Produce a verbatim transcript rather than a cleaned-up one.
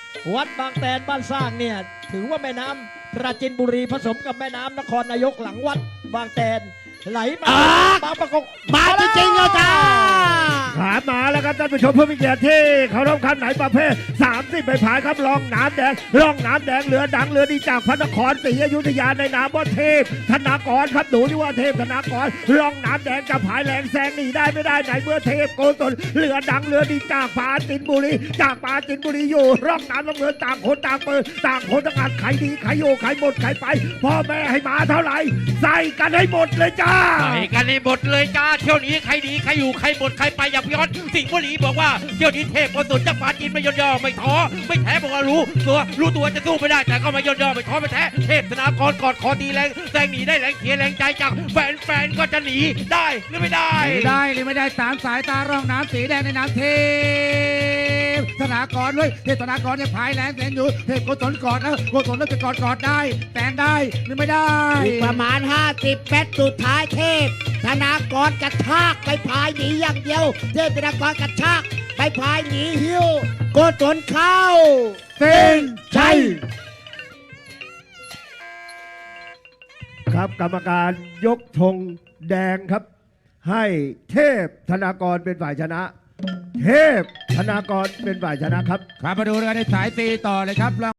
วัดบางแตนบ้านสร้างเนี่ยถือว่าแม่น้ำปราจีนบุรีผสมกับแม่น้ำนครนายกหลังวัดบางแตนไหลมาอ่าบางประกงมาจริงๆแล้วจ้าขามาแล้วครับท่านผู้ชมผู้มีเกียรติที่เขารพคันไหนประเภทสามสิบใบผายครับรองน้ำแดงรองน้ำแดงเรือดังเรือดีจากพระนครศรีอยุธยาในนามว่าเทพธนากรครับหนูที่ว่าเทพธนากรรองน้ำแดงจะผายแรงแซงหนีได้ไม่ได้ไหนเมื่อเทพโกศลเรือดังเรือดีจากปราจินบุรีจากปราจินบุรีอยู่ร่องน้ำลำเรือต่างคนต่างเปิดต่างคนต่างอัดใครดีใครโยใครหมดใครไปพ่อแม่ให้มาเท่าไหร่ใส่กันให้หมดเลยจ้าใส่กันในหมดเลยจ้าเที่ยวนี้ใครดีใครอยู่ใครหมดใครไปอย่างย้อนสิงห์บุรีบอกว่าเที่ยวนี้เทพโกศลจากปราจีนไม่ย่นย่อไม่ท้อไม่แท้บอกว่ารู้ตัวรู้ตัวจะสู้ไม่ได้แต่ก็ไม่ย่นย่อไม่ท้อไม่แท้เทพธนากรกอดคอตีแรงแซงหนีได้แรงเขียแรงใจจากแฟนๆก็จะหนีได้หรือไม่ได้ไม่ได้หรือไม่ได้ตามสายตาร่องน้ำสีแดงในน้ำเทพธนากรเลยเทพธนากรเนี่ยพายแรงแสงอยู่เทพโกศลกอดแล้วโกศลแล้วจะกอดกอดได้แสงได้หรือไม่ได้อีกประมาณห้าสิบเมตรสุดท้ายเทพธนากรกระชากไปพายหนีอย่างเดียว เทพธนากรกระชากไปพายหนีหิ้วโกศลเข้าเส้นชัยครับกรรมการยกธงแดงครับ ให้เทพธนากรเป็นฝ่ายชนะ เทพธนากรเป็นฝ่ายชนะครับครับมาดูกันในสายตีต่อเลยครับ